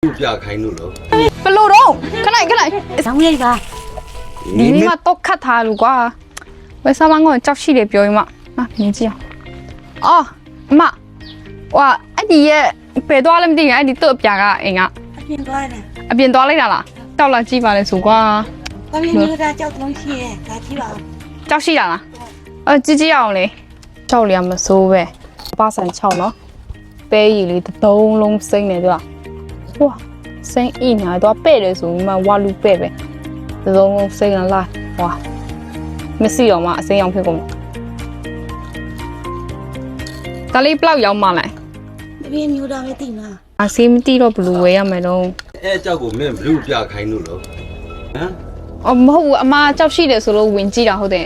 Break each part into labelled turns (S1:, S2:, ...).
S1: ပြခိုင်းလို့လို့
S2: ဘယ်လိုတော့ခဏခဏ
S3: ရောင်းလိုက်ပါ
S2: ဒီမှာတော့ခတ်ထားလို့ကွာဝယ်စားမငေါကြောက်ရှိတယ်ပြောရင်မဟာမြင်ကြည့်အောင်အော်အမဟွာအဲ့ဒီရဲ့ဘယ်သွားလဲမသိဘူးအဲ့ဒီတော့အပြာကအိမ်ကအ
S3: ပြင်သွားတယ်
S2: အပြင်သွားလိုက်တာလားတောက်လာကြည့်ပါလေဆိုကွာ
S3: ဘာဖြစ်လို့ဒါကြောက်တုံးရှိရဲဒါကြည့်ပါဦး
S2: ကြောက်ရှိတာလားကြည့်ကြည့်အောင်လေကြောက်လျာမစိုးပဲပါဆန်6နော်ပဲရီလေးတစ်သုံးလုံးစိမ့်နေသူကဟွာစိမ့်အိညာတော့ပဲ့တယ်ဆိုမှဝါလူပဲ့ပဲတစ်သုံးလုံးစိမ့်လာလာဟွာမစီအောင်မအစိမ်းအောင်ဖြစ်ကုန်ဒါလေးဘလောက်ရောက်မှလဲ
S3: တပင်းမျိုးသားပဲတိမှာ
S2: အဆေးမတိတော့ဘလူဝဲရမယ်တော့
S1: အဲအကြောက်ကိုမင်းဘလူးပြခိုင်းလို့လို့ဟမ်
S2: အော်မဟုတ်ဘူးအမကြောက်ရှိတယ်ဆိုလို့ဝင်ကြည့်တာဟုတ်တယ်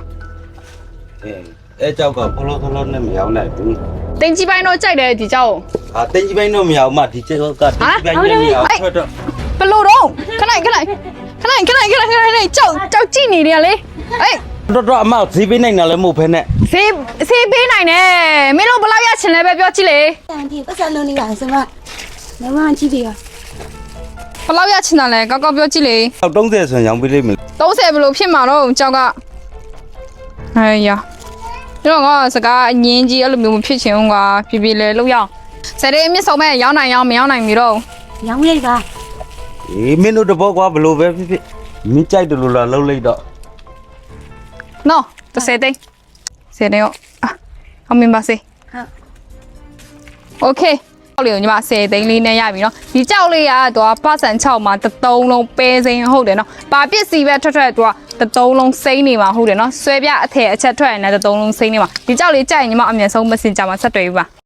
S1: အဲအကြောက်ကဖလောဖလောနဲ့မရောက်နိုင်ဘူး
S2: တင်ကြီးပိုင်းတော့ကြိုက်တယ်ဒီကြောက်
S1: ဟာတင်းကြီးပိုင်းတော့မရောက်မှဒီကျက်ကတင်းကြီးပိုင်းနဲ့မရောက်ထွက်တော့
S2: ဘလို့တော့ခဏကြောက်ကြည့်နေတယ်လေအေး
S1: တော့အမဈေးပေးနိုင်တာလည်းမဟုတ်ဖ ೇನೆ
S2: ဆေးပေးနိုင်တယ်မင်းတို့ဘလောက်ရချင်လဲပဲပြောကြည့်လေ
S3: တန်တီပတ်စံလုံးနေပါစမမမကြည့်ပြီ
S2: ဘလောက်ရချင်တာလဲကောက်ကောက်ပြောကြည့်လေ
S1: 30ဆိုရင်ရောင်းပေးလိမ့်မယ်
S2: 30ဘလို့ဖြစ်မှာတော့ကြောက်ကဟဲ့ရတော့ငါစကားအငင်းကြီးအဲ့လိုမျိုးမဖြစ်ချင်ဘူးကွာပြပြလဲလောက်ရအောင်စတဲ့မြစ်ဆောင်မဲ့ရောင်းနိုင်ရောင်းမရောင်းနိုင်ပြီတော့
S3: ရောင်းလိုက်ပါ
S1: အေးမင်းတို့တဘောကွာဘလို့ပဲဖြစ်ဖြစ်မင်းကြိုက်တယ်လို့လားလှုပ်လိုက်တော့
S2: နော်30သိန်း10သိန်းရောအောင်မင်းပါစေ
S3: ဟုတ်
S2: โอเคကြောက်လေးကိုညီမ10သိန်းလေးနဲ့ရပြီเนาะဒီကြောက်လေးကတော့ပတ်စံ6မှာတစ်သုံးလုံးပဲစိမ်းဟုတ်တယ်เนาะပါပစ္စည်းပဲထွက်သူကတစ်သုံးလုံးစိမ်းနေမှာဟုတ်တယ်เนาะဆွဲပြအထည်အချက်ထွက်ရင်လည်းတစ်သုံးလုံးစိမ်းနေမှာဒီကြောက်လေးကြိုက်ရင်ညီမအမြဲဆုံး Messenger မှာဆက်တွေ့ပြီပါ